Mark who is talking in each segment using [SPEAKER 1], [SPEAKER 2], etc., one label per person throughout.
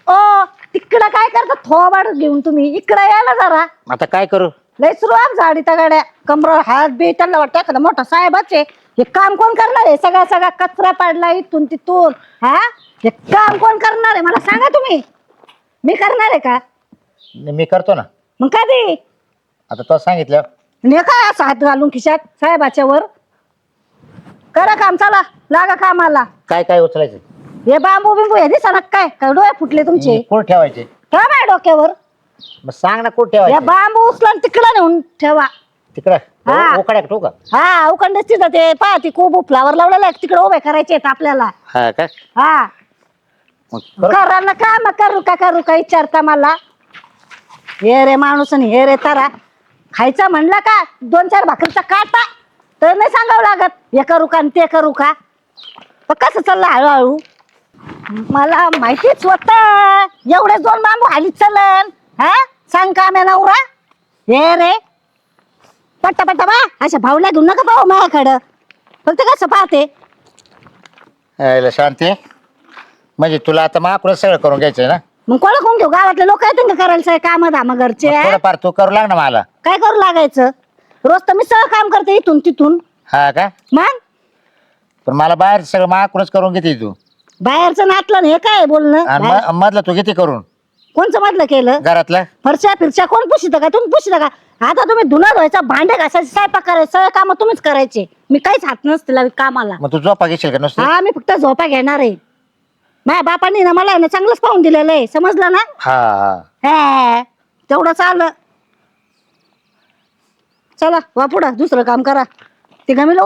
[SPEAKER 1] ओ तिकडं काय करता थोबाड घेऊन तुम्ही इकडं या ना जरा.
[SPEAKER 2] आता काय करू?
[SPEAKER 1] लय सुरुवात झाडी त्या गाड्या कमर हात बी त्यांना वाटतं एखादा मोठा साहेबच आहे. हे काम कोण करणार आहे? सगळा सगळा कचरा पाडला इथून तिथून. हा हे काम कोण करणार आहे मला सांगा तुम्ही. मी करणार आहे का?
[SPEAKER 2] मी करतो ना.
[SPEAKER 1] मग कधी?
[SPEAKER 2] आता तो सांगितलं.
[SPEAKER 1] ने काय असं हात घालून खिशात साहेबाच्या वर? करा काम, चला लागा कामाला.
[SPEAKER 2] काय काय उचलायचं?
[SPEAKER 1] हे बांबू बिंबू हे दिसा काय काय डोळे फुटले तुमचे?
[SPEAKER 2] कोण ठेवायचे?
[SPEAKER 1] ठेवा माझ्या डोक्यावर.
[SPEAKER 2] मग सांग ना कोण
[SPEAKER 1] या
[SPEAKER 2] ठेवायचे?
[SPEAKER 1] बांबू उचलून तिकडं नेऊन ठेवा.
[SPEAKER 2] तिकडं
[SPEAKER 1] हा.
[SPEAKER 2] उकड्या ठेवू का?
[SPEAKER 1] हा उखंड तिथं ते पहा ती खूप फ्लावर लावलेला आहे तिकडे उभे करायचे आहेत आपल्याला.
[SPEAKER 2] हा का?
[SPEAKER 1] हा
[SPEAKER 2] मग करू?
[SPEAKER 1] करा ना का मग करू का विचारता मला. हे रे माणूस आणि हे रे तारा. खायचा म्हणला का 2-4 भाकरीचा काटा तर नाही सांगावं लागत हे करू का आणि ते करू का. पण कसं चाललं हळूहळू मला माहितीच होत एवढे 2 बांबू हाली चलन. हा सांग का म्या नवरा. हे रे पट्टा पट्टा बा अशा भावल्या घेऊन नका पाहू माझ्याकडं. फक्त कसं पाहते
[SPEAKER 2] यायला शांती. म्हणजे तुला आता माकडं सगळं करून घ्यायचंय ना?
[SPEAKER 1] मग कोणा कोण घेऊ गावातले लोक येतील का करायला काम धाम घरचे.
[SPEAKER 2] मग थोडंफार तू करू लाग ना मला.
[SPEAKER 1] काय करू लागायचं? रोज तर मी सगळं काम करते इथून तिथून.
[SPEAKER 2] हा का?
[SPEAKER 1] मग
[SPEAKER 2] पण मला बाहेर सगळं माकडंच करून घेते तू.
[SPEAKER 1] बाहेरचं नातलं आणि हे काय बोलणं
[SPEAKER 2] आणि
[SPEAKER 1] बाहेर-
[SPEAKER 2] मधलं तू किती करून
[SPEAKER 1] कोणचं मधलं केलं?
[SPEAKER 2] घरातलं?
[SPEAKER 1] फरच्या फिरच्या कोण पुशित का? तुम्ही पुशित का? आता तुम्ही धुणं धुवायचा भांडे घासायचे स्वयंपाक करायचं सगळे काम तुम्हीच करायचे. मी काहीच हात नसते लावी कामाला.
[SPEAKER 2] मग तू झोपा घेशील का नुसतं?
[SPEAKER 1] हा मी फक्त झोपा घेणार आहे. माझ्या बापाने ना मला आहे ना चांगलंच पाहून दिलेलं आहे समजलं ना.
[SPEAKER 2] हा हा.
[SPEAKER 1] हे तेवढं चाललं. चला वा पुढं दुसरं काम करा. ते गमीला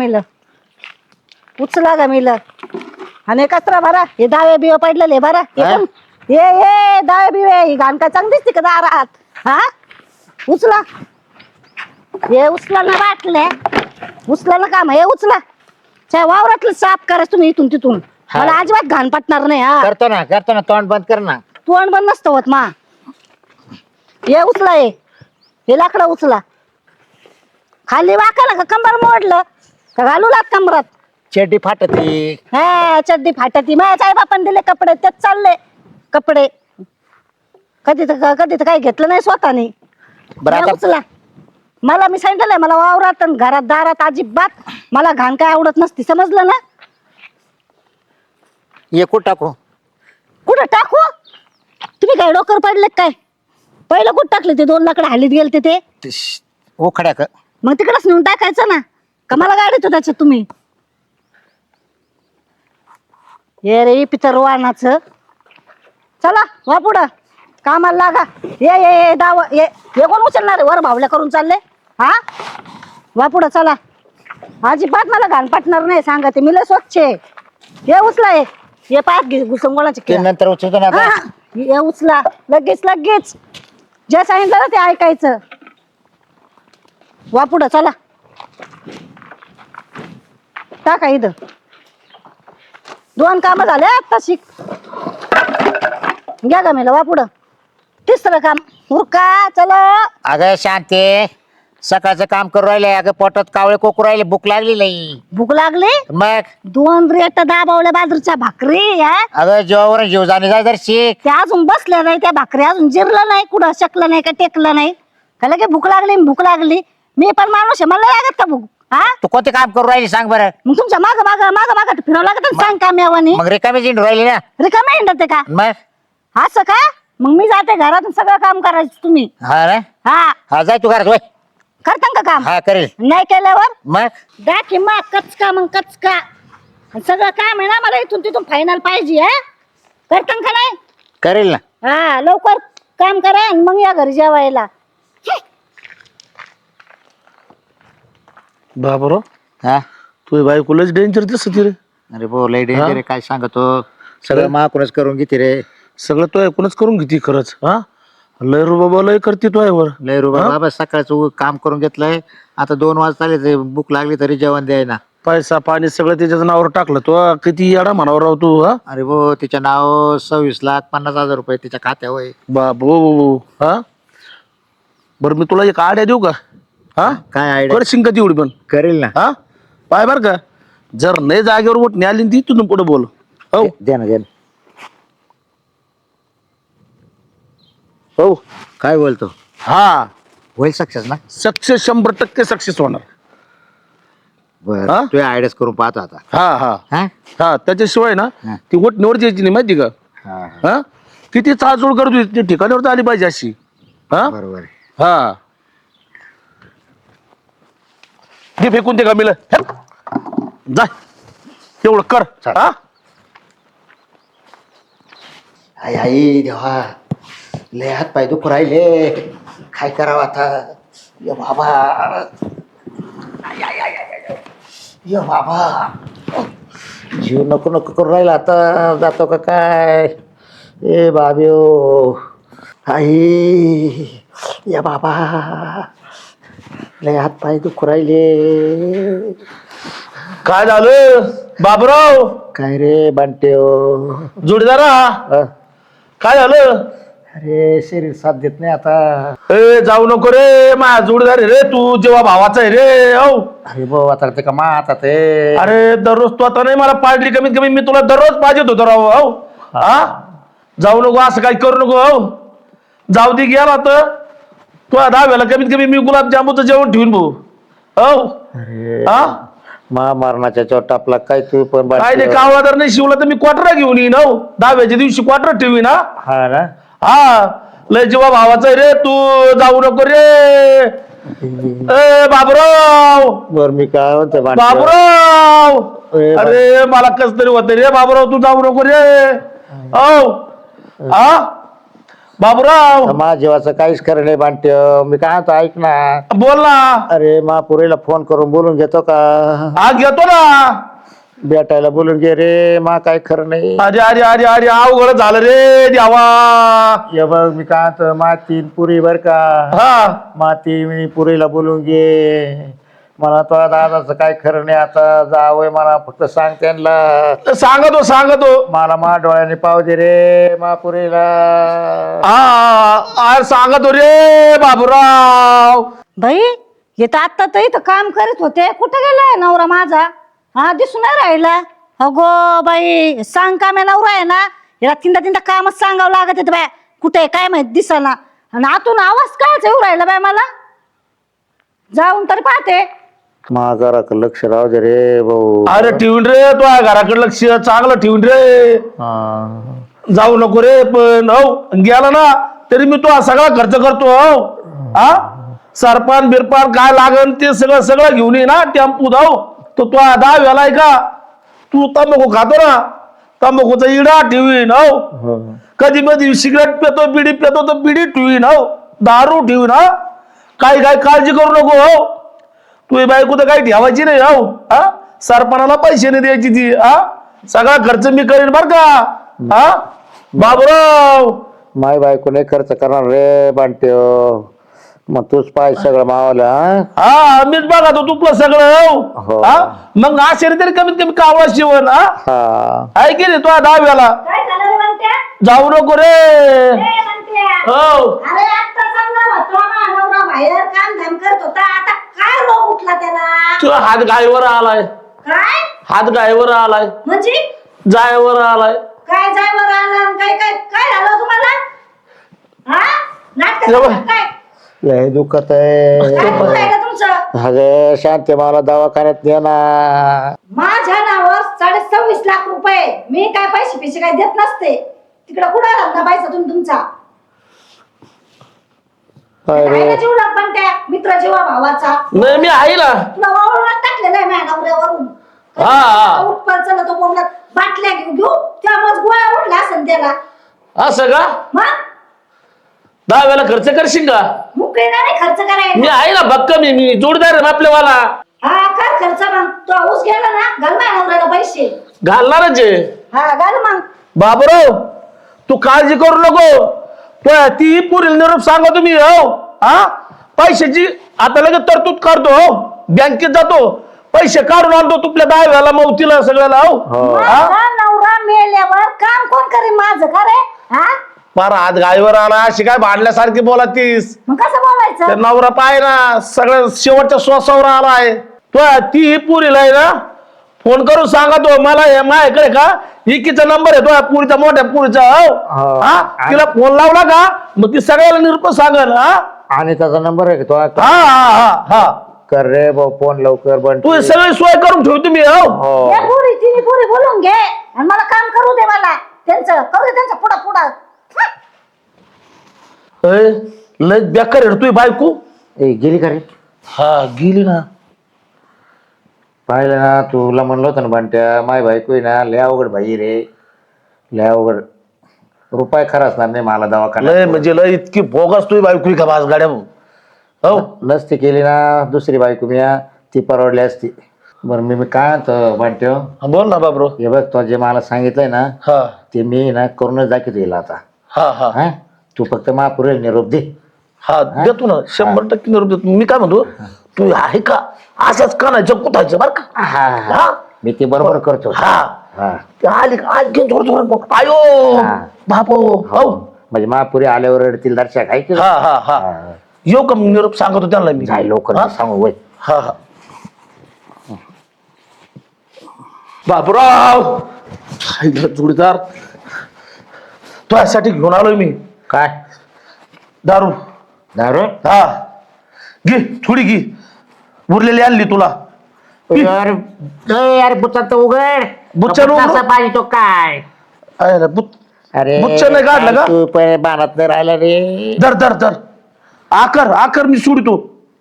[SPEAKER 1] उचला गमीला आणि कचरा भरा. हे दावे बिवे पडलेले भरा.
[SPEAKER 2] हा?
[SPEAKER 1] हे दावे बिवे ही घाण काय चांगली दिसते का दारात? हा उचला. हे उचला ना बाटल्या उचला ना काम हे उचला. वावरातलं साफ करायचं तुम्ही इथून तिथून.
[SPEAKER 2] हा.
[SPEAKER 1] मला अजिबात घाण पटणार नाही. हा
[SPEAKER 2] करतो ना तोंड बंद कर ना.
[SPEAKER 1] तोंड बंद नसतं होत मा. हे उचला हे लाकडं उचला. खाली वाकलं का कंबर मोडलं का घालू लाग कमरात.
[SPEAKER 2] चेड्डी फाटती.
[SPEAKER 1] हा चड्डी फाटती. माझ्या आई बापान दिले कपडे तेच चालले कपडे. कधी तर काही घेतलं नाही स्वतःने.
[SPEAKER 2] बरं
[SPEAKER 1] हे
[SPEAKER 2] आता
[SPEAKER 1] उचला. मला मी सांगितलंय मला वावरात आणि घरात दारात अजिबात मला घाण काय आवडत नसती समजलं ना.
[SPEAKER 2] ये कुठं टाकू?
[SPEAKER 1] कुठं टाकू? तुम्ही काय डोकर पडले काय? पहिलं कुठं टाकले ते 2 लाकडं हालीत गेलते ते?
[SPEAKER 2] उखड्या का?
[SPEAKER 1] मग तिकडच नेऊन टाकायचं ना. का मला गाडीत त्याच्यात तुम्ही. ये रे पितर वाहनाचं. चला वा पुढं कामाला लागा. ये दाव ये कोण उचलणार आहे? वर भावल्या करून चालले. हा वा पुढं चला. अजिबात मला घाण पाटणार नाही सांगते मी लय स्वच्छ आहे. हे उचला हे पायात घुसंगोळाचे
[SPEAKER 2] ते नंतर उचलतो ना आता.
[SPEAKER 1] हे उचला लगेच जे सांगितलं ना ते ऐकायचं. वा पुढं चला टाका इथं. 2 कामं झाले आता शिक. घ्या का मेला वा पुढं. 3रं काम उरका चला.
[SPEAKER 2] अगं शांती सकाळचं काम करू राहिले. अगं पोटात कावळे कोकरू राहिले. भूक लागली नाही.
[SPEAKER 1] भूक लागली.
[SPEAKER 2] मग
[SPEAKER 1] 2 रेट दाबावल्या बाजरीच्या भाकरी.
[SPEAKER 2] अगं जेवावर जीव जाणे जाय जर शिक.
[SPEAKER 1] त्या अजून बसल्या नाही त्या भाकरी अजून जिरलं नाही कुठं शकलं नाही का टेकलं नाही का लगे भूक लागली. मी पण माणूस आहे मला लागत का भूक. हा
[SPEAKER 2] तू कोणते काम करू राहिली सांग बरं?
[SPEAKER 1] मग तुमच्या माग फिरावं लागत ना, सांग का मेवानी.
[SPEAKER 2] मग रिकामी जिंडू राहिली ना.
[SPEAKER 1] रिकामे हिंडते का
[SPEAKER 2] मग
[SPEAKER 1] असं का? मग मी जाते घरातून सगळं काम करायचं तुम्ही.
[SPEAKER 2] हा ना.
[SPEAKER 1] हा
[SPEAKER 2] हा जाय तू घरात होय.
[SPEAKER 1] करता का काम?
[SPEAKER 2] हा करेल.
[SPEAKER 1] नाही केल्यावर
[SPEAKER 2] मग
[SPEAKER 1] दाखी मा कचका मग कचका सगळं काम आहे ना मला इथून तिथून फायनल पाहिजे. हा करता का नाही?
[SPEAKER 2] करेल ना.
[SPEAKER 1] हा लवकर काम करा आणि मग या घरी जेवायला.
[SPEAKER 3] बाबरो
[SPEAKER 2] हा
[SPEAKER 3] तुझी बायकोलाच डेंजर दिसत रे.
[SPEAKER 2] अरे बो लय डेंजर आहे. काय सांगतो सगळं माकूनच करून घेते रे.
[SPEAKER 3] सगळं तो ऐकूनच करून घेते खरंच. हा लय रुबाबा लय करते तो वर.
[SPEAKER 2] लय रुबा बाबा सकाळचं काम करून घेतलंय. आता 2 वाजता आले भूक लागली तरी जेवण द्यायला.
[SPEAKER 3] पैसा पाणी सगळं त्याच्या नावावर टाकलं तो. किती येडा म्हणावर राव तू. हा
[SPEAKER 2] अरे बो तिच्या नाव 26,50,000 रुपये तिच्या खात्यावर.
[SPEAKER 3] बाबू हा बरं मी तुला एक आड्या देऊ का? हा
[SPEAKER 2] काय आयडिया?
[SPEAKER 3] करशील का तेवढी पण?
[SPEAKER 2] करेल ना.
[SPEAKER 3] हा पाय बर का जर नाही जागेवर उठणे आली ती तुझून पुढे बोल. हो
[SPEAKER 2] दे ना.
[SPEAKER 3] हो.
[SPEAKER 2] काय बोलतो?
[SPEAKER 3] हा,
[SPEAKER 2] होईल सक्सेस ना?
[SPEAKER 3] सक्सेस 100% सक्सेस होणार.
[SPEAKER 2] बर,
[SPEAKER 3] हा?
[SPEAKER 2] तू आयडियाच करून पाहतो आता.
[SPEAKER 3] हा हा
[SPEAKER 2] हा?
[SPEAKER 3] हा, त्याच्याशिवाय ना
[SPEAKER 2] हा.
[SPEAKER 3] ती वोट निवड यायची नाही माहिती का?
[SPEAKER 2] हा,
[SPEAKER 3] हा, किती चाचूळ करतो ती ठिकाणावर आली पाहिजे अशी. हा
[SPEAKER 2] बरोबर आहे.
[SPEAKER 3] हा, ते फेकून ते गमील जा, तेवढं कर.
[SPEAKER 2] चाल.
[SPEAKER 3] हा,
[SPEAKER 2] आई आई देवा, लय हात पाय दुखू राहिले, काय करावं आता? ये बाबा, ये बाबा, जीव नको नको करून राहिला आता. जातो का काय? ए बाब्यो, आई, या बाबा, लय हात पाय दुखू राहिले.
[SPEAKER 3] काय झालं बाबराव?
[SPEAKER 2] काय रे बांट्यो?
[SPEAKER 3] जोडीदारा,
[SPEAKER 2] अ,
[SPEAKER 3] काय झालं?
[SPEAKER 2] अरे शरीर साथ देत नाही आता.
[SPEAKER 3] ए जाऊ नको रे, माझा जोडीदार आहे रे तू, जेव्हा भावाचा आहे रे. हो,
[SPEAKER 2] अरे भाऊ आता ते का मा आता ते.
[SPEAKER 3] अरे दररोज तू आता नाही मला पाडली, कमीत कमी मी तुला दररोज पाहिजे होतो राव. हो, हा, जाऊ नको, असं काही करू नको. हो, जाऊ दे, गेला तर तू 10 वेळा कमीत कमी मी गुलाबजामुनचं जेवण ठेवून भाऊ. हो,
[SPEAKER 2] अरे
[SPEAKER 3] हा,
[SPEAKER 2] महामारणाच्या चोट आपला काय तू पण
[SPEAKER 3] काय ते कावळा जर नाही शिवला तर मी क्वार्टर घेऊन येईन. हो, 10व्याच्या दिवशी क्वार्टर ठेवीन. हा
[SPEAKER 2] हा ना.
[SPEAKER 3] हा, लय जेव्हा भावाचा आहे रे तू, जाऊ नको रे. ए बाबूराव,
[SPEAKER 2] बर मी काय म्हणतो
[SPEAKER 3] बाबूराव,
[SPEAKER 2] ए,
[SPEAKER 3] अरे मला कस तरी होत रे बाबूराव, तू जाऊ नको रे. औ, हा बाबूराव,
[SPEAKER 2] माझ्या जीवाचं काहीच खरं नाही बांट्य. मी काय म्हणतो ऐक ना.
[SPEAKER 3] बोल ना.
[SPEAKER 2] अरे महापुरीला फोन करून बोलून घेतो का?
[SPEAKER 3] हा घेतो ना.
[SPEAKER 2] भेटायला बोलून घे रे, मा काय खरं नाही.
[SPEAKER 3] अरे अरे अरे अरे अवघड झालं रे देवा.
[SPEAKER 2] ये बघ मी काय म्हणतो, माती पुरी बर का,
[SPEAKER 3] हा,
[SPEAKER 2] माती मी पुरीला बोलून घे. मला तो दादाचं काय खरं नाही आता. जावय मला फक्त सांग त्यांना.
[SPEAKER 3] सांगतो.
[SPEAKER 2] मला मा डोळ्याने पाव दे रे महापुरीला.
[SPEAKER 3] हा सांगतो रे बाबूराव.
[SPEAKER 1] बाई हे तर आत्ता तर इथं काम करीत होते, कुठं गेलाय नवरा माझा? हा, दिसून नाही राहिला. अगो बाई, सांग का मी नवरा आहे ना, याला तीनदा कामच सांगावं लागत येतं बाय. कुठे काय माहित दिसना, आणि आतून आवाज कायच येऊ राहिला बाय मला. जाऊन तरी पाहते.
[SPEAKER 2] माझा लक्ष राहू दे रे भाऊ.
[SPEAKER 3] अरे ठेवून रे, तू घराकडे लक्ष चांगलं ठेवून रे. जाऊ नको रे. पण हो गेला ना तरी मी तो सगळा खर्च करतो. हो, हा, सरपान बिरपान काय लागन ते सगळं घेऊन ये ना टेम्पू धाव. तो 10 वेळा आहे का तू तंबाखू खातो ना, तंबाखूचा इडा ठेवीन. हो, कधी मध्ये सिगरेट पितो, बिडी पितो तर बिडी ठेवीन. हो, दारू ठेवीन. हा, काही काळजी करू नको. हो, तू बायको तर काही ठेवायची नाही. हो, हा, सरपणाला पैसे नाही द्यायची ती. हा, सगळा खर्च मी करीन बर का. हा बाबूराव,
[SPEAKER 2] माय बायको नाही खर्च करणार रे बांट्य. मग तूच पाय सगळं मावाला.
[SPEAKER 3] हा मीच बघा तो तुपलं सगळं.
[SPEAKER 2] हो.
[SPEAKER 3] हा, मग आशेने तरी कमीत कमी कावळा शिवण. हा,
[SPEAKER 2] हा,
[SPEAKER 3] आहे की नाही तो 10 वेळा.
[SPEAKER 1] काय झालं रे म्हणत्या?
[SPEAKER 3] जाऊ नको रे.
[SPEAKER 1] ए म्हणत्या,
[SPEAKER 3] हो,
[SPEAKER 1] अरे आत्ता चांगला होता माझा नवरा, बाहेर काम धाम करत होता, आता काय रोग उठला त्याला?
[SPEAKER 3] तू हात गायवर आलाय.
[SPEAKER 1] काय
[SPEAKER 3] हात गायवर आलाय,
[SPEAKER 1] म्हणजे?
[SPEAKER 3] जायवर आलाय.
[SPEAKER 1] काय जायवर आला आणि काय काय काय झालं तुम्हाला? हा, नाटक
[SPEAKER 3] जेवण.
[SPEAKER 1] काय
[SPEAKER 2] लय दुखत आहे.
[SPEAKER 1] काय होऊन राहिलं तुमचं?
[SPEAKER 2] अगं शांती, मला दवाखान्यात ने ना.
[SPEAKER 1] माझ्या नावावर 26.5 लाख रुपये. मी काय पैसे काय देत नसते. तिकडे कुठं धंदा पैसा तुमचा?
[SPEAKER 2] अरे
[SPEAKER 1] जीव लाग पण त्या मित्र जीवा भावाचा.
[SPEAKER 3] नाही मी आहे ना.
[SPEAKER 1] तुला वावरून टाकलेला आहे माझ्या नवऱ्यावरून.
[SPEAKER 3] हा.
[SPEAKER 1] उठपार चला तो बोलला, बाटल्या घेऊ त्यामुळे गोळ्या उठला असेल त्याला.
[SPEAKER 3] असं का?
[SPEAKER 1] मग
[SPEAKER 3] 10 वेळा खर्च करशील का?
[SPEAKER 1] मुकळे नाही खर्च
[SPEAKER 3] मी
[SPEAKER 1] करायला.
[SPEAKER 3] आहे ना भक्क. मी जोडदार आहे आपल्यावाला.
[SPEAKER 1] हा, कर खर्च मग. तो ऊस गेला ना, घाल माझ्या नवऱ्याला पैसे.
[SPEAKER 3] घालणारच आहे.
[SPEAKER 1] हा, घाल मग.
[SPEAKER 3] बाबूराव, तू काळजी करू नको. ती पुरील निरोप सांगा तुम्ही. हो, हा, पैशाची आता लगेच तरतूद करतो. हो, बँकेत जातो, पैसे काढून आणतो तुपल्या 10 वेळाला मौतीला सगळ्याला. हो, हा,
[SPEAKER 1] माझा नवरा मेल्यावर काम कोण करेल माझं? का रे? हा,
[SPEAKER 3] फार हात गायवर आला. अशी काय भांडल्यासारखी बोला तीस.
[SPEAKER 1] मग कसं बोलायचं?
[SPEAKER 3] नवरा पाय ना सगळं शेवटच्या श्वासावर आलाय. ती पुरीला आहे ना फोन करून सांगा तो मला हे माझ्याकडे का इकीचा नंबर आहे तो पुरीचा मोठ्या पुरीचा
[SPEAKER 2] हो.
[SPEAKER 3] हा तिला फोन लावला का मग ती सगळ्याला निरोप सांगल हा
[SPEAKER 2] आणि त्याचा नंबर आहे का तो?
[SPEAKER 3] हा हा हा
[SPEAKER 2] कर रे भाऊ फोन लवकर बंटी.
[SPEAKER 3] तू सगळी सोय करून ठेव तुम्ही हो
[SPEAKER 2] हो.
[SPEAKER 1] हे पुरी तिने पुरी बोलून घे आणि मला काम करू दे मला त्यांचं करू दे त्यांचं पुढं पुढं
[SPEAKER 3] लय बेकार आहे तुझी बायको
[SPEAKER 2] ए गेली का रे?
[SPEAKER 3] हा गेली ना
[SPEAKER 2] पाहिलं ना तुला म्हणलं होतं ना बंट्या माय बायको आहे ना लय अवघड भाई रे लय अवघड रुपये खरा असणार नाही मला
[SPEAKER 3] लय
[SPEAKER 2] दवाखान्यात
[SPEAKER 3] म्हणजे लय इतकी भोगस तुझी बायको आहे का बाज गाड्या हो
[SPEAKER 2] नसती केली ना दुसरी बायको मी ती परवडली असती. बरं मी काय म्हणतो बंट्या
[SPEAKER 3] हा, बोल ना बाबरो
[SPEAKER 2] हे बघ तो जे मला सांगितलंय ना
[SPEAKER 3] हा
[SPEAKER 2] ते मी ना करूनच दाखवतो येईल आता.
[SPEAKER 3] हा हा
[SPEAKER 2] हा तू फक्त महापुरेल निरोप दे.
[SPEAKER 3] हा देतो ना 100% निरोप देतो मी काय म्हणतो तू आहे का असंच कानायचं कुठायचं बरं का
[SPEAKER 2] हा
[SPEAKER 3] हा
[SPEAKER 2] मी ते बरोबर करतो.
[SPEAKER 3] हा
[SPEAKER 2] हा
[SPEAKER 3] ते आली का आज घेऊन थोडं थोडं बघ आयो
[SPEAKER 2] हा.
[SPEAKER 3] बापो हो
[SPEAKER 2] म्हणजे महापुरी आल्यावर रडतील दर्शक आहे की
[SPEAKER 3] हा हा हा येऊ का मग निरोप सांगतो त्यांना मी
[SPEAKER 2] जाय लवकर
[SPEAKER 3] हा?
[SPEAKER 2] सांगू वय.
[SPEAKER 3] हा हा बापराव जोडीदार तुझ्यासाठी घेऊन आलोय मी
[SPEAKER 2] काय
[SPEAKER 3] दारू
[SPEAKER 2] दारू?
[SPEAKER 3] हा घे थोडी घे उरलेली आणली तुला
[SPEAKER 2] यार यार बुचा तर उघड
[SPEAKER 3] बुच्चा उघड?
[SPEAKER 2] कसा पाहिजे तो काय?
[SPEAKER 3] आहे ना, बुच
[SPEAKER 2] अरे
[SPEAKER 3] बुच्चा नाही काढलं का?
[SPEAKER 2] तू पहिले बाणात नाही राहिला रे.
[SPEAKER 3] धर धर धर आकर मी सोडतो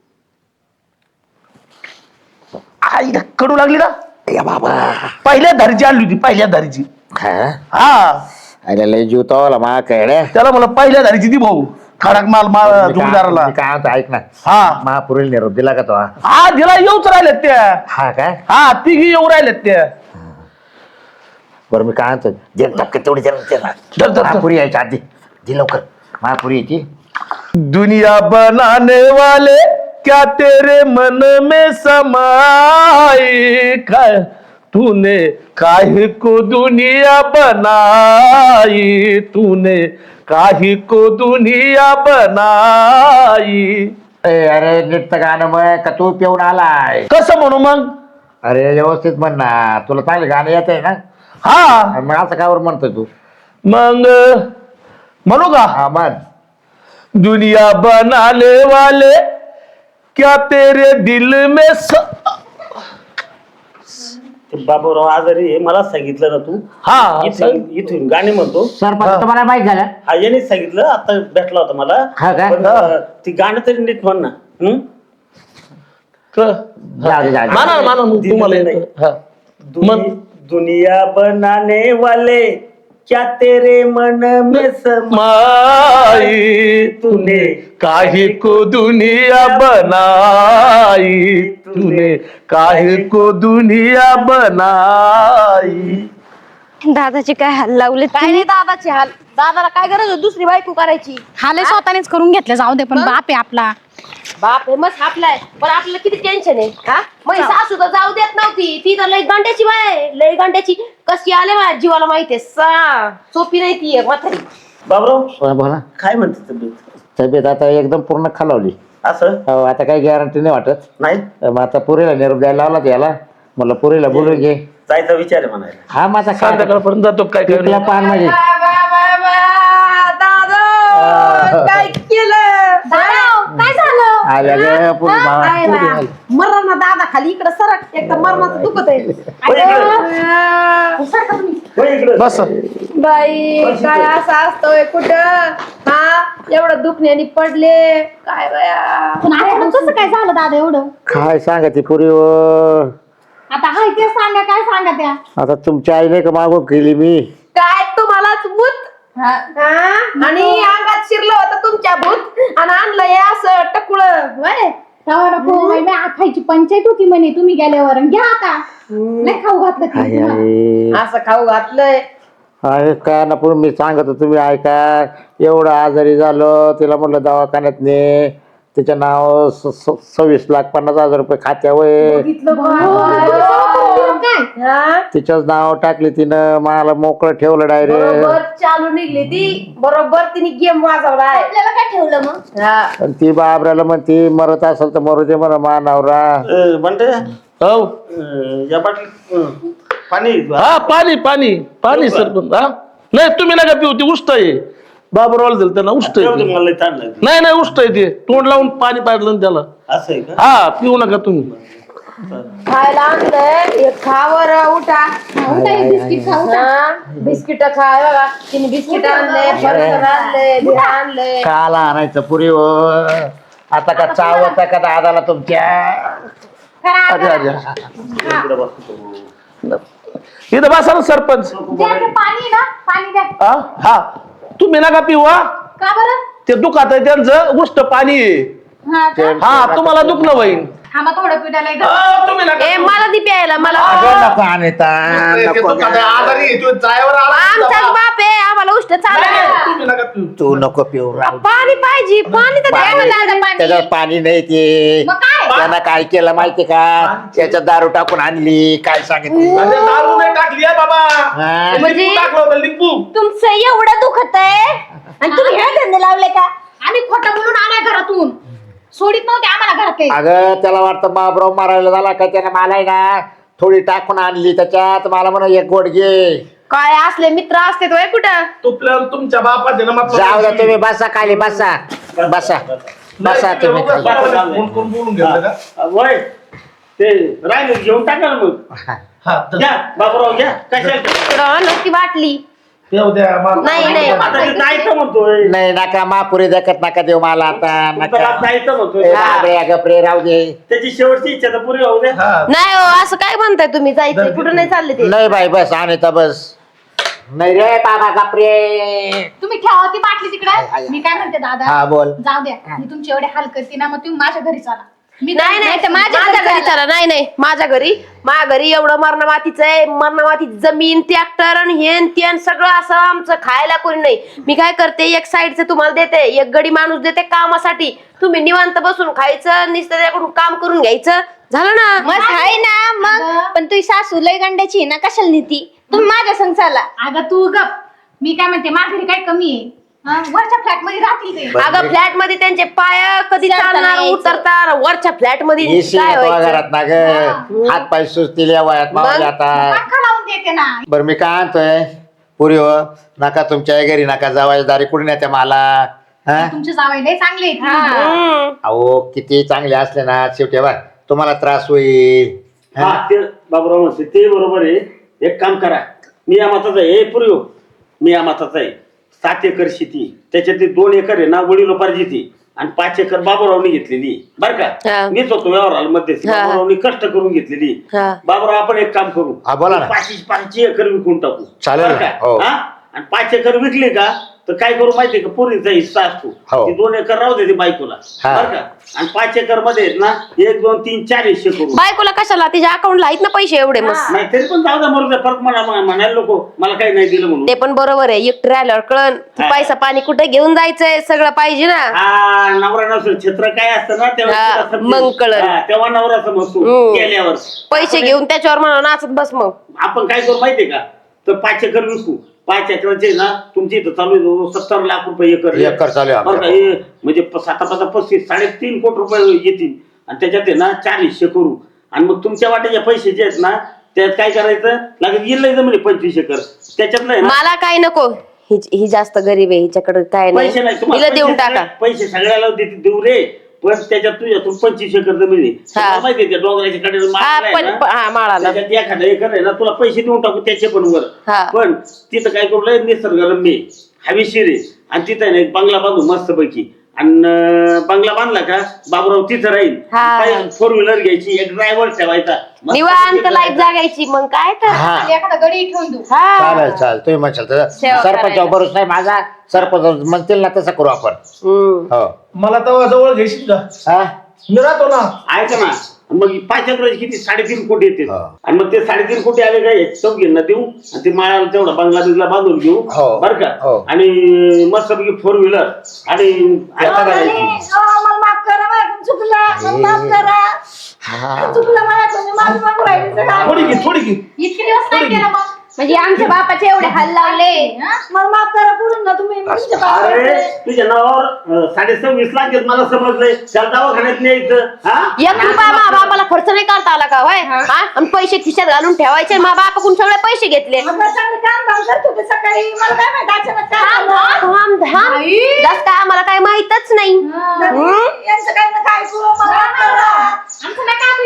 [SPEAKER 3] आई कडू लागली ना
[SPEAKER 2] या बाबा
[SPEAKER 3] पहिल्या धारीची आणली होती पहिल्या धारीची
[SPEAKER 2] हा
[SPEAKER 3] हा
[SPEAKER 2] अरे लय जीव तवाला मा काय
[SPEAKER 3] त्याला मला पहिल्या धारीची दी भाऊ खडक माल जोडीदाराला
[SPEAKER 2] काय म्हणतो ऐक ना
[SPEAKER 3] हा
[SPEAKER 2] महापुरील निरोप दिला का तो?
[SPEAKER 3] हा तिला येऊच राहिल्यात त्या
[SPEAKER 2] हा काय
[SPEAKER 3] हा तिघी येऊ राहिल्यात त्या
[SPEAKER 2] बरं मी काय म्हणतो दे टक्के तेवढी
[SPEAKER 3] धर, धर.
[SPEAKER 2] महापुरी यायच्या आधी दे लवकर महापुरी यायची.
[SPEAKER 3] दुनिया बनाने वाले क्या तेरे मन में समाए काय तूने काहे को दुनिया बनाई तूने काहे को दुनिया बनाई
[SPEAKER 2] अरे नीट तर गाणं मग का तू पिऊन आलाय?
[SPEAKER 3] कसं म्हणू मग
[SPEAKER 2] अरे व्यवस्थित म्हण ना तुला चांगलं गाणं येत आहे ना
[SPEAKER 3] हा
[SPEAKER 2] मग असं कावर म्हणतोय तू?
[SPEAKER 3] मग म्हणू का
[SPEAKER 2] हा म्हण.
[SPEAKER 3] दुनिया बनाने वाले क्या तेरे दिल में
[SPEAKER 4] बाबूराव आजारी आहे मला सांगितलं ना तू
[SPEAKER 3] हा
[SPEAKER 4] इथून गाणे म्हणतो
[SPEAKER 2] सरपंच तुम्हाला माहित झालं?
[SPEAKER 4] हा यानेच सांगितलं आता भेटला होता मला
[SPEAKER 2] हा काय?
[SPEAKER 4] पण, ती गाणं तरी नीट म्हण ना
[SPEAKER 2] जाऊ दे, जाऊ दे.
[SPEAKER 3] माना माना मग तुम्हाला
[SPEAKER 4] दिलं नाही.
[SPEAKER 3] येतं. हा.
[SPEAKER 4] दुनिया बनाने वाले क्या तेरे मन में
[SPEAKER 3] माई
[SPEAKER 4] तूने
[SPEAKER 3] काहे को दुनिया बनाई तूने काहे को दुनिया बनाई
[SPEAKER 5] दादाचे काय हाल लावले
[SPEAKER 6] काय नाही दादाचे हाल दादाला काय गरज होती दुसरी बायको करायची
[SPEAKER 5] हाले स्वतःनेच करून घेतले जाऊ दे पण बाप आहे आपला
[SPEAKER 6] बाप हे मस्त आपलाय पण आपल्याला किती टेन्शन आहे हा मग सासू तर जाऊ देत नव्हती ती तर लय गंड्याची बाय आहे, लय गंड्याची कशी आले माझ्या जीवाला माहितीये सोपी नाही ती एक म्हातारी
[SPEAKER 4] बाबूराव
[SPEAKER 2] हा, बोला.
[SPEAKER 4] काय म्हणते तब्येत
[SPEAKER 2] तब्येत आता एकदम पूर्ण खालावली.
[SPEAKER 4] असं
[SPEAKER 2] हो, आता काही गॅरंटी नाही वाटत.
[SPEAKER 4] नाही
[SPEAKER 2] मग आता पुरीला निरोप द्यायला लावला त्याला म्हणलं पुरीला बोलून घे.
[SPEAKER 4] जायचा विचार आहे म्हणायला
[SPEAKER 2] हा मग आता काय
[SPEAKER 3] संध्याकाळपर्यंत जातो काय काय
[SPEAKER 2] पिकला पान म्हणजे
[SPEAKER 6] काय केलं
[SPEAKER 5] काय झालं
[SPEAKER 2] आल्या ग पुरी भावा. पुरी आली.
[SPEAKER 6] मरण दादा खाली इकडे सरक एक तर मरणाचं दुखत आहे
[SPEAKER 4] होय इकडं.
[SPEAKER 3] बस
[SPEAKER 6] बाई काय असं असतोय कुठं हा एवढं दुखण्याने पडले काय बाया
[SPEAKER 5] पण आता कसं काय झालं दादा एवढं
[SPEAKER 2] काय सांगा ती पुरी
[SPEAKER 5] आता हाय ते सांगा काय सांगा त्या
[SPEAKER 2] आता तुमच्या आईने का मागून केली मी.
[SPEAKER 6] काय तुम्हालाच भूत हा? आणि अंगात शिरलं होतं तुमच्या भूत आणि आणलं हे असं टकुळ वय
[SPEAKER 5] खायची पंचायत होती म्हणे तुम्ही गेल्यावर आणि घ्या आता नाही खाऊ घातलं ते
[SPEAKER 2] आई
[SPEAKER 5] तुम्हाला.
[SPEAKER 2] आई
[SPEAKER 6] असं खाऊ घातलंय
[SPEAKER 2] अरे काय ना पुढे मी सांगत होतो तुम्ही ऐका एवढं आजारी झालो तिला म्हटलं दवाखान्यात ने तिच्या नाव 26,50,000 रुपये खात्यावर
[SPEAKER 5] काय
[SPEAKER 2] तिच्याच नाव टाकली तिनं मला मोकळं ठेवलं डायरेक्ट.
[SPEAKER 6] बरोबर चालू निघली ती बरोबर तिने गेम वाजवलाय
[SPEAKER 5] आपल्याला काय ठेवलं मग
[SPEAKER 6] हा.
[SPEAKER 2] आणि ती बाबराला म्हणती मरत असेल तर मरू दे म्हणा मानावरा.
[SPEAKER 4] म्हणते
[SPEAKER 3] हो
[SPEAKER 4] या बाटली पाणी
[SPEAKER 3] हा पाणी पाणी पाणी सरपंच हा नाही तुम्ही नका पिऊ ते उष्ट आहे बाबरवाला दिलं त्यांना उष्ट आहे ते.
[SPEAKER 4] मला ताण लागली.
[SPEAKER 3] नाही नाही उष्ट आहे ते तोंड लावून पाणी पाजलं ना त्याला
[SPEAKER 4] असं आहे का
[SPEAKER 3] हा पिऊ नका तुम्ही
[SPEAKER 6] खायला आणलंय एक खावर उठा
[SPEAKER 5] उठा, एक बिस्किट खा उठा.
[SPEAKER 6] बिस्किट खाय बघा तिने बिस्किट आणले बर्गर आणले बिया आणले
[SPEAKER 2] काला आणायचं पुरी हो आता का चावता का दादाला तुमच्या
[SPEAKER 5] करा,
[SPEAKER 3] अरे
[SPEAKER 5] करा.
[SPEAKER 3] अरे
[SPEAKER 4] इकडे बसतो.
[SPEAKER 3] इथं बसा ना सरपंच
[SPEAKER 5] द्या ते पाणी ना पाणी द्या.
[SPEAKER 3] हा हा तुम्ही नका पिऊ हा
[SPEAKER 5] का बरं?
[SPEAKER 3] ते दुखात आहे त्यांचं उष्ट पाणी आहे
[SPEAKER 5] हा का?
[SPEAKER 3] हा तुम्हाला दुखणं होईल
[SPEAKER 5] थांबा थोडं पिठाला एकदा.
[SPEAKER 3] तुम्ही नका
[SPEAKER 6] ए मला ती प्यायला मला
[SPEAKER 2] अगं नको आणता नको
[SPEAKER 6] आमचाच बाप आहे आम्हाला उष्ट चालत
[SPEAKER 3] तुम्ही नका पिऊ
[SPEAKER 2] तू नको पिऊ राव.
[SPEAKER 6] पाणी पाहिजे पाणी तर द्या मला आता पाणी.
[SPEAKER 2] त्याच्यात पाणी नाही ते
[SPEAKER 5] मग काय?
[SPEAKER 2] त्यानं काय केलं माहितीये का त्याच्यात दारू टाकून आणली काय सांगितलं
[SPEAKER 3] अरे दारू नाही टाकली आहे बाबा
[SPEAKER 2] हा.
[SPEAKER 6] म्हणजे-
[SPEAKER 3] लिंबू टाकलं होतं लिंबू
[SPEAKER 1] तुमचं एवढं दुखत आहे आणि तुम्ही हे धंदे लावले का
[SPEAKER 5] आम्ही खोटं बोलून आलाय घरातून सोडित नव्हते आम्हाला घरात काही.
[SPEAKER 2] अगं त्याला वाटतं बाबराव मारायला झाला का त्यानं मला आहे ना थोडी टाकून आणली त्याच्यात मला म्हणा एक गोड घे
[SPEAKER 6] काय असले मित्र असते तो कुठं
[SPEAKER 3] तुपल्यावर तुमच्या बापाचे ना मतलब
[SPEAKER 2] जाऊ द्या तुम्ही बसा खाली बसा बसा बसा तुम्ही खाली.
[SPEAKER 3] फोन करून बोलून घेतलं का
[SPEAKER 4] वय ते राहिले घेऊन टाका ना मग
[SPEAKER 3] हा तर
[SPEAKER 4] घ्या बाबूराव घ्या कशाला
[SPEAKER 6] नक्की बाटली
[SPEAKER 3] येऊ द्या मला.
[SPEAKER 6] नाही नाही
[SPEAKER 4] आता ते जायचं म्हणतोय
[SPEAKER 2] नाही नका महापुरी देखत नका देऊ मला आता
[SPEAKER 4] तुमचा बाप
[SPEAKER 2] नका
[SPEAKER 4] जायचं
[SPEAKER 2] ए,
[SPEAKER 4] म्हणतोय
[SPEAKER 2] बापरे, गपरे राहू दे
[SPEAKER 4] त्याची शेवटची इच्छा तर पुरी होऊ द्या
[SPEAKER 3] हा
[SPEAKER 6] नाही हो असं काय म्हणताय तुम्ही जायचंय कुठं नाही चालले ते
[SPEAKER 2] नाही बाई बस आणता बस नाही रे बाबा गपरे
[SPEAKER 5] तुम्ही ठेवा ती बाटली
[SPEAKER 2] हाय,
[SPEAKER 5] तिकडे
[SPEAKER 2] हाय.
[SPEAKER 5] मी काय म्हणते दादा
[SPEAKER 2] हा बोल
[SPEAKER 5] जाऊ द्या मी तुमचे एवढे हाल करते ना मग तुम्ही माझ्या घरी चला मी
[SPEAKER 6] नाही नाही
[SPEAKER 5] तर
[SPEAKER 6] माझ्या घरी चला नाही नाही माझ्या घरी एवढं मरण मातीचं आहे मरण मातीची जमीन ट्रॅक्टर आणि हेन तेन सगळं असं आमचं खायला कोणी नाही मी काय करते एक साईडचं तुम्हाला देते एक गडी माणूस देते कामासाठी तुम्ही निवांत बसून खायचं नुसतं त्याकडून काम करून घ्यायचं झालं ना
[SPEAKER 7] मस्त आहे ना मग पण तुझी सासू लय गंड्याची आहे ना कशाला नीती तुम्ही माझ्या संग चाला
[SPEAKER 5] अगं तू गप मी काय म्हणते माझ्या घरी काय कमी आहे हा? वरच्या फ्लॅट मध्ये राहतील ते
[SPEAKER 6] अगं फ्लॅट मध्ये त्यांचे पाय कधी
[SPEAKER 7] चढता
[SPEAKER 6] चालणार
[SPEAKER 7] नाही
[SPEAKER 6] उतरतात वरच्या फ्लॅट मध्ये
[SPEAKER 2] येशी
[SPEAKER 6] काय व्हायचं
[SPEAKER 2] घरात ना ग हात पाय सुचतील या वयात मावले आता
[SPEAKER 5] पंखा लावून देते ना
[SPEAKER 2] बरं मी काय आणतोय पुरी हो नका तुमच्या घरी नका जावायच्या दारी कुठून येते मला हा
[SPEAKER 5] तुमचे जावई लय चांगले आहेत.
[SPEAKER 6] हम्म.
[SPEAKER 2] अहो किती चांगले असले ना शेवटी बा तुम्हाला त्रास होईल हा?
[SPEAKER 4] हा ते बाबूराव म्हणते ते बरोबर आहे एक काम करा मी या माताचा आहे पुरी हो मी या माताचा आहे 7 एकर शेती त्याच्यातली 2 एकर आहे ना वडिलोपार्जिती आणि 5 एकर बाबूरावनी घेतलेली बरं का
[SPEAKER 6] हा.
[SPEAKER 4] मीच होतो व्यवहाराला मध्ये
[SPEAKER 6] हा.
[SPEAKER 4] बाबूरावनी कष्ट करून घेतलेली
[SPEAKER 6] हा.
[SPEAKER 4] बाबूराव आपण एक काम करू
[SPEAKER 2] हा, बोला ना.
[SPEAKER 4] 5 एकर विकून टाकू
[SPEAKER 2] चालेल
[SPEAKER 4] बरं
[SPEAKER 2] ना,
[SPEAKER 4] का?
[SPEAKER 2] हो.
[SPEAKER 4] हा? आणि 5 एकर विकले का तर काय करू माहितीये का पोरीचा हिस्सा असतो
[SPEAKER 2] हो.
[SPEAKER 4] ती 2 एकर राहू दे ती बायकोला
[SPEAKER 2] हा.
[SPEAKER 4] बरं का आणि 5 एकर मध्ये आहेत ना 1 2 3 4 हिस्से करू
[SPEAKER 6] बायकोला कशाला तिच्या अकाउंटला आहेत ना पैसे एवढे मस्त
[SPEAKER 4] नाही तरी पण जाऊ द्या मरू द्या फरक म्हणायला लोक मला काही नाही दिलं म्हणून
[SPEAKER 6] ते पण बरोबर आहे एकटं राहिल्यावर कळण की
[SPEAKER 4] हा.
[SPEAKER 6] पैसा पाणी कुठे घेऊन जायचंय सगळं पाहिजे ना
[SPEAKER 4] हा नवरा नसेल छत्र काय असतं ना तेव्हा
[SPEAKER 6] हा,
[SPEAKER 4] तिला समजेल.
[SPEAKER 6] मग कळलं.
[SPEAKER 4] हा, तेव्हा नवरा समजतो
[SPEAKER 6] हम्म.
[SPEAKER 4] गेल्यावर
[SPEAKER 6] पैसे घेऊन त्याच्यावर म्हणा नाचत बस मग
[SPEAKER 4] आपण काय करू माहितीये का तर 5 एकर विकू 5 एकराचे ना तुमची इथं चालू आहे 70 लाख रुपये एकर
[SPEAKER 2] एकर चालू आहे
[SPEAKER 4] बरं का?
[SPEAKER 2] आपल्या.
[SPEAKER 4] हे म्हणजे 7-5 3.5 कोटी रुपये येतील आणि त्याच्यात आहे ना 4 हिस्से करू आणि मग तुमच्या वाट्याचे पैसे जे आहेत ना त्यात काय करायचं लागत गेलं जमिनी 25 एकर त्याच्यातलं आहे ना
[SPEAKER 6] मला काय नको ही जास्त गरीब आहे हिच्याकडे काय
[SPEAKER 4] पैसे नाही
[SPEAKER 6] नाही हिला देऊन टाका
[SPEAKER 4] पैसे सगळ्याला देऊ रे पण त्याच्यात तुझ्यातून 25 एकर जमीन आहे तुम्हाला माहिती आहे त्या डोंगराच्या कडेला माळ आहे ना,
[SPEAKER 6] हा माळाला
[SPEAKER 4] त्याच्यात एखादा एकर आहे ना तुला पैसे देऊन टाकू त्याचे पण वर
[SPEAKER 6] हा.
[SPEAKER 4] पण तिथं काय करू लय निसर्गरम्य आहे, हवेशीर आहे आणि तिथं आहे ना एक बंगला बांधू मस्त पैकी आणि बंगला बांधला का बाबूराव तिथं राहील
[SPEAKER 6] हा.
[SPEAKER 4] 4 व्हीलर घ्यायची एक ड्रायव्हर ठेवायचा मस्त
[SPEAKER 6] निवांत
[SPEAKER 4] पैकी
[SPEAKER 6] लाईफ जागायची मग काय तर
[SPEAKER 2] हा
[SPEAKER 5] एखादा गडी ठेवून देऊ
[SPEAKER 6] हा
[SPEAKER 2] चालेल चालेल तुम्ही म्हणशाल तर
[SPEAKER 6] सेवा
[SPEAKER 2] सरपंच
[SPEAKER 6] करायला.
[SPEAKER 2] बरोबर नाही माझा सरपंच म्हणतील ना तसं करू आपण
[SPEAKER 6] हम्म.
[SPEAKER 2] हो
[SPEAKER 3] मला तेव्हा जवळ घेशील का
[SPEAKER 2] हा?
[SPEAKER 3] मी राहतो ना
[SPEAKER 4] ऐका ना मग 5 एकराचे किती 3.5 कोटी येते
[SPEAKER 2] हा.
[SPEAKER 4] आणि मग ते 3.5 कोटी आले काय चौघींना देऊ आणि ते माळाला तेवढा बंगला बिंगला बांधून घेऊ
[SPEAKER 2] हो.
[SPEAKER 4] बरं का
[SPEAKER 2] हो.
[SPEAKER 4] आणि मस्त पैकी 4 व्हीलर आणि ऐका करायची.
[SPEAKER 1] मला माफ करा माझ्याकडून चुकलं मला माफ करा चुकलं माझ्याकडून माझं माफ राहिलं
[SPEAKER 3] थोडी घे थोडी घे
[SPEAKER 5] इतके दिवस नाही केलं मग म्हणजे आमच्या बापाचे एवढे हाल लावले
[SPEAKER 1] मला माफ करा पुरून ना तुम्ही तुमच्या पायावर
[SPEAKER 4] अरे
[SPEAKER 1] पडते.
[SPEAKER 4] तुझ्या नावावर 26.5 लाख आहेत मला समजलंय. त्याला दवाखान्यात न्यायचं. हा
[SPEAKER 6] 1 रुपया मा बापाला खर्च नाही करता आला का होय हा आणि पैसे खिशात घालून ठेवायचे मा बापाकडून सगळे पैसे घेतले
[SPEAKER 1] आपण चांगलं काम काम करत होते सकाळी मला काय माहिती अचानक काय झालं?
[SPEAKER 6] जास्त काय आम्हाला काय माहितच नाही
[SPEAKER 1] यांचं काही ना काय करू मला माफ करा.
[SPEAKER 5] आमचं नाही का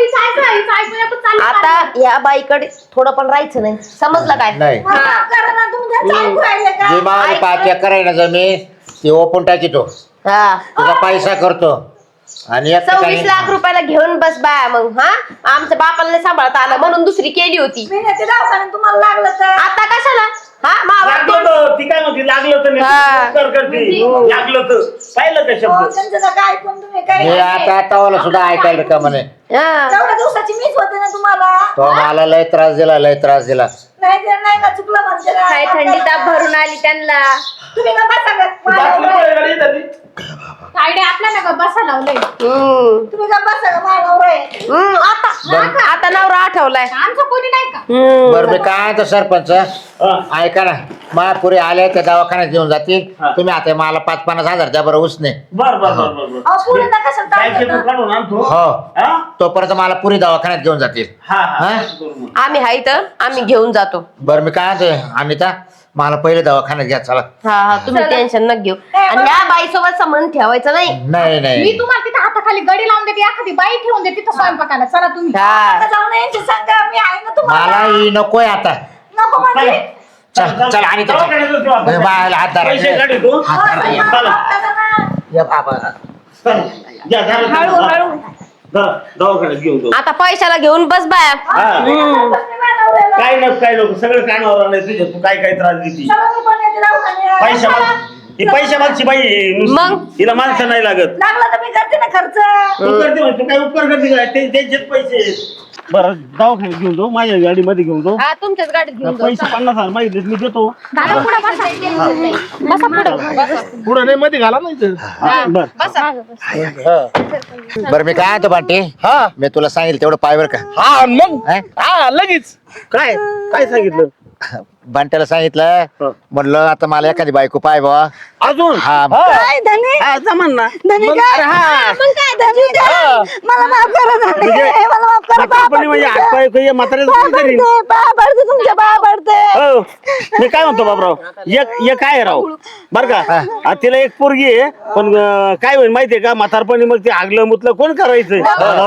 [SPEAKER 6] आता या बाईकडे थोडं पण राहायचं नाही समजलं काय
[SPEAKER 2] नाही
[SPEAKER 1] मला माफ करा ना तुम्ही त्यांचं ऐकू राहिले का?
[SPEAKER 2] जे मला 5 एकर आहे ना जमीन ती ओपून टाकीतो
[SPEAKER 6] हा
[SPEAKER 2] तुझा पैसा करतो आणि एक
[SPEAKER 6] 26 लाख रुपयाला घेऊन बस बाया मग हा आमच्या बापाला नाही सांभाळता आलं म्हणून दुसरी केली होती
[SPEAKER 1] मी नेते दवाखान्यात तुम्हाला लागलं तर
[SPEAKER 6] आता कशाला हा मा
[SPEAKER 4] लागलं
[SPEAKER 6] बाप
[SPEAKER 4] तर ती काय म्हणते लागलं तर
[SPEAKER 6] हा.
[SPEAKER 4] नाही करते. लागलं तर पाहिलं का
[SPEAKER 1] हो,
[SPEAKER 4] शब्द
[SPEAKER 1] त्यांचं नका ऐकून तुम्ही काही
[SPEAKER 2] मी आता तवाला सुद्धा ऐकायला का म्हणे
[SPEAKER 6] हा.
[SPEAKER 1] तेवढ्या दिवसाची मीच होते ना तुम्हाला
[SPEAKER 2] तो मला लय त्रास दिला
[SPEAKER 1] नाही ते नाही ना चुकलं म्हणते ना.
[SPEAKER 7] काय थंडी ताप भरून आली त्यांना.
[SPEAKER 1] तुम्ही का बसा गं?
[SPEAKER 3] बाटली
[SPEAKER 1] मानव रे.
[SPEAKER 3] पण गाडी झाली.
[SPEAKER 5] तायडे आपल्याला का बसा लावलंय
[SPEAKER 1] तुम्ही का बसा गं? मानव रे.
[SPEAKER 6] आता नवरा आठवलाय
[SPEAKER 5] आमचं कोणी नाही का
[SPEAKER 2] बरं मी काय तर सरपंच ऐका ना महापुरी आले त्या दवाखान्यात घेऊन जातील
[SPEAKER 4] हा.
[SPEAKER 2] तुम्ही आता मला 5-50 हजार द्या बरं उसने
[SPEAKER 4] बर बर बर बर बर.
[SPEAKER 1] अहो, पुरींना कशाला ताप
[SPEAKER 4] बँकेतून
[SPEAKER 1] देता?
[SPEAKER 4] काढून आणतो.
[SPEAKER 2] हो
[SPEAKER 4] हा?
[SPEAKER 2] तोपर्यंत मला पुरी दवाखान्यात घेऊन जातील
[SPEAKER 4] हा हा
[SPEAKER 2] हा?
[SPEAKER 4] असं करू मग.
[SPEAKER 6] आम्ही हाय तर आम्ही घेऊन जातो
[SPEAKER 2] बरं मी काय म्हणतोय अनिता मला पहिले दवाखान्यात घ्या चला
[SPEAKER 6] हा हा तुम्ही टेन्शन न घेऊ आणि या बाई सोबत संबंध ठेवायचा नाही
[SPEAKER 2] नाही
[SPEAKER 5] मी
[SPEAKER 2] नाही
[SPEAKER 5] तुम्हाला तिथे हाताखाली गडी लावून देते एखादी बाई ठेवून देते तिथं स्वयंपाकाला चला तुम्ही
[SPEAKER 1] आता
[SPEAKER 6] हा
[SPEAKER 1] जाऊन यांची सांगा मी आहे ना तुम्हाला
[SPEAKER 2] मला ही नकोय आता
[SPEAKER 1] नको म्हणजे
[SPEAKER 2] चल चल आणि
[SPEAKER 4] दवाखान्यात जाऊ आपण.
[SPEAKER 2] बाळाला हात धरा.
[SPEAKER 4] पैसे काढतो.
[SPEAKER 2] हात धरा, या.
[SPEAKER 4] चला.
[SPEAKER 2] या बाबा
[SPEAKER 4] चला. या, धरा. धरा, दवाखान्यात घेऊन जाऊ.
[SPEAKER 6] आता पैशाला घेऊन बस बाया
[SPEAKER 4] हा. काय नको काय नको सगळं कानावर आलंय तुझ्या तू काय काय त्रास देती पैशा ही पैशा मागची बाई आहे नुसती.
[SPEAKER 6] मग?
[SPEAKER 4] हिला माणसं नाही लागत
[SPEAKER 1] लागला तर मी करते ना खर्च
[SPEAKER 4] तू करते म्हणे, तू काय उपकार करते काय त्यांचेच पैसे आहेत. बरं दवाखान्यात घेऊन जाऊ माझ्या गाडीमध्ये घेऊन जाऊ
[SPEAKER 6] हा तुमच्याच गाडीत घेऊन जाऊ
[SPEAKER 4] पैसे 50,000 मागितले मी देतो
[SPEAKER 5] दादा पुढे बसा
[SPEAKER 3] पुढे नाही मध्ये घाला नाही तर.
[SPEAKER 4] बर
[SPEAKER 2] बरं मी काय म्हणतो बांटी
[SPEAKER 3] हा
[SPEAKER 2] मी तुला सांगितलं तेवढं पायवर का
[SPEAKER 3] हा आणि मग
[SPEAKER 2] हा?
[SPEAKER 3] हा लगेच
[SPEAKER 4] काय काय सांगितलं
[SPEAKER 2] बांट्याला सांगितलं म्हणलं आता मला एखादी बायको पाय बा
[SPEAKER 4] अजून
[SPEAKER 2] हा
[SPEAKER 1] काय धनी
[SPEAKER 4] हा, जमान ना
[SPEAKER 1] धनी काय मग काय धनी काय? मला माफ करा धनी मला माफ करा
[SPEAKER 4] म्हातारपणी म्हणजे हातपाय काही म्हाताऱ्याचं कोण करीन?
[SPEAKER 1] पाय पडते तुमच्या पाय पडते
[SPEAKER 4] हो मी काय म्हणतो बाबराव एक काय आहे राव बर का आता तिला एक पोरगी आहे पण काय होईल माहितीये का म्हातारपणी मग ते आगलं मुतलं कोण करायचं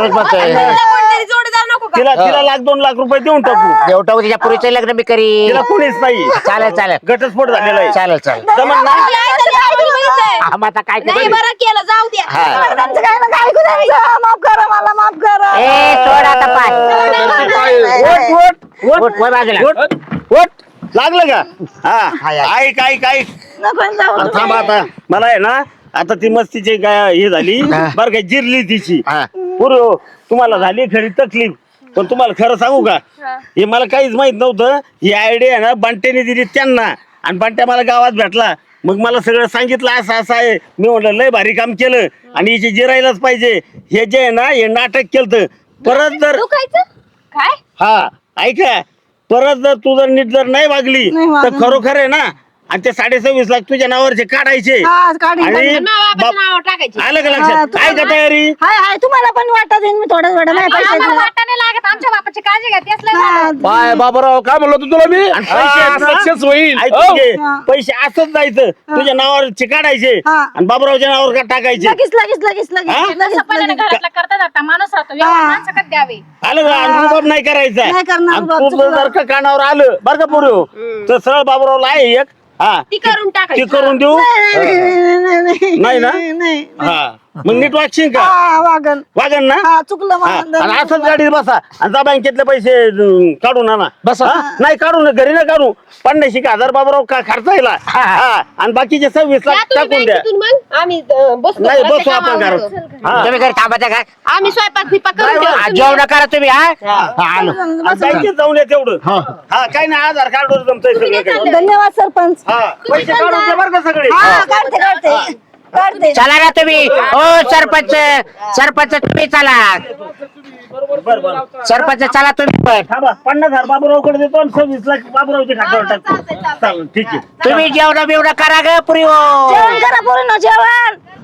[SPEAKER 6] जोडीदार नको का
[SPEAKER 4] तिला तिला 1-2 लाख रुपये देऊन टाकू
[SPEAKER 2] देवटा तिच्या पुरीचं लग्न मी करी
[SPEAKER 4] तिला कोणीच नाही
[SPEAKER 2] चालेल चालेल
[SPEAKER 4] घटस्फोट झालेला आहे
[SPEAKER 2] चालेल चालेल
[SPEAKER 4] जमन ना
[SPEAKER 2] हा, मग आता काय
[SPEAKER 6] नाही
[SPEAKER 2] करू?
[SPEAKER 6] बरं केलं जाऊ द्या
[SPEAKER 2] हा.
[SPEAKER 1] त्यांचं काय ना काय ऐकू द्यायचं माफ करा मला माफ करा
[SPEAKER 2] ए सोड आता पाय
[SPEAKER 4] वोट
[SPEAKER 2] उठ, वर बाजूला.
[SPEAKER 4] वोट वोट लागलं का हा
[SPEAKER 2] हाय.
[SPEAKER 4] ऐक ऐक ऐक
[SPEAKER 1] नको जाऊ
[SPEAKER 4] थांब आता मला आहे ना आता ती मस्तीची काय हे झाली
[SPEAKER 2] हा.
[SPEAKER 4] बरं काय जिरली तिची
[SPEAKER 2] हा.
[SPEAKER 4] पूर्व तुम्हाला झाली खरी तकलीफ पण तुम्हाला खरं सांगू का हे मला काहीच माहित नव्हतं ही आयडिया आहे ना बंट्याने दिली त्यांना आणि बंट्या मला गावात भेटला मग मला सगळं सांगितलं असं असं आहे मी म्हटलं लय भारी काम केलं आणि हिची जिरायलाच पाहिजे हे जे आहे ना हे नाटक केलं परत जर
[SPEAKER 5] काय
[SPEAKER 4] हा ऐका परत जर तू जर नीट जर नाही वागली तर खरोखर आहे ना आणि ते 26.5 लाख तुझ्या नावावरचे काढायचे
[SPEAKER 1] हा, काढीन,
[SPEAKER 4] आणि
[SPEAKER 1] काढीन.
[SPEAKER 4] बाप-
[SPEAKER 6] नाव टाकायची
[SPEAKER 4] आलं का
[SPEAKER 1] हा,
[SPEAKER 4] लक्षात
[SPEAKER 1] तुम्हाला-
[SPEAKER 4] काय का तयारी
[SPEAKER 1] हाय हाय तुम्हाला पण वाटत येईन मी थोडं थोडं नाही पैसे
[SPEAKER 5] आम्हाला
[SPEAKER 1] दिले.
[SPEAKER 5] वाटाणे लागत आमच्या बापाची काळजी घ्या तेच लय
[SPEAKER 1] हा,
[SPEAKER 3] बाय बाबाराव काय म्हणलो होतो तुला मी
[SPEAKER 4] आणि पैसे आहेत ना?
[SPEAKER 3] सक्सेस होईल
[SPEAKER 4] ऐक
[SPEAKER 3] हो.
[SPEAKER 4] घे,
[SPEAKER 1] हा.
[SPEAKER 4] पैसे असंच जायचं तुझ्या नावावर काढायचे
[SPEAKER 1] हा.
[SPEAKER 4] आणि बाबरावच्या नावावर का टाकायचे
[SPEAKER 1] लगेच लगेच लगेच लगेच
[SPEAKER 4] हा?
[SPEAKER 1] लगेच
[SPEAKER 5] पहिल्याने
[SPEAKER 1] लगेच.
[SPEAKER 5] घरातला करता जाता माणूस राहतो
[SPEAKER 1] हा.
[SPEAKER 5] माणसं कधी द्यावे
[SPEAKER 4] आलं का आणि रुबाब नाही करायचा
[SPEAKER 1] नाही करणार
[SPEAKER 4] आणि
[SPEAKER 1] रुबाब,
[SPEAKER 4] तू
[SPEAKER 1] चुकलं.
[SPEAKER 4] जर का कानावर आलं बरं का पूर्व तर सरळ बाबरावला आहे एक हा
[SPEAKER 6] ती करून
[SPEAKER 4] ती
[SPEAKER 6] टाकायची
[SPEAKER 4] करून देऊ
[SPEAKER 1] नाही
[SPEAKER 4] नाही ना?
[SPEAKER 1] नाही
[SPEAKER 4] हा मग नीट वागशील का
[SPEAKER 1] हा, वागन
[SPEAKER 4] वागन ना
[SPEAKER 1] हा चुकलं
[SPEAKER 4] हा,
[SPEAKER 1] मला
[SPEAKER 4] आणि असंच गाडीत बसा आणि जा बँकेतले पैसे काढून आणा
[SPEAKER 3] बसा.
[SPEAKER 4] हा? नाही काढू ना घरी ना काढू 50,000 बाबराव का खर्चायला हा आणि बाकीचे 26
[SPEAKER 6] या
[SPEAKER 4] लाख
[SPEAKER 6] तुम्ही
[SPEAKER 4] टाकून द्या
[SPEAKER 6] बँकेतून मग आम्ही बसतो
[SPEAKER 4] नाही
[SPEAKER 6] घराच्या
[SPEAKER 4] बसू आपण
[SPEAKER 6] कामावर.
[SPEAKER 4] घरात हा
[SPEAKER 2] तुम्ही घरी थांबायचं का
[SPEAKER 6] आम्ही स्वयंपाक फिपाक करून देऊ. तुम्ही-
[SPEAKER 2] जेवण करा तुम्ही हा हा, आलो
[SPEAKER 4] आणि बँकेत जाऊन या तेवढं हा काय नाही आधार कार्डवर जमतंय सगळं काही
[SPEAKER 1] धन्यवाद सरपंच
[SPEAKER 4] हा पैसे काढून द्या बरं का सगळे
[SPEAKER 1] हा काढते काढते काढते
[SPEAKER 2] चला ना तुम्ही ओ सरपंच सरपंच तुम्ही चला
[SPEAKER 4] बरं बरं
[SPEAKER 2] सरपंच चला तुम्ही पण
[SPEAKER 4] थांबा 50,000 बाबूरावकडे देतो आणि 26 लाख बाबूरावच्या खात्यावर टाकतो चालेल ठीक आहे
[SPEAKER 2] तुम्ही जेवण बिवणं करा ग पुरी
[SPEAKER 1] जेवण करा पोरींनो जेवण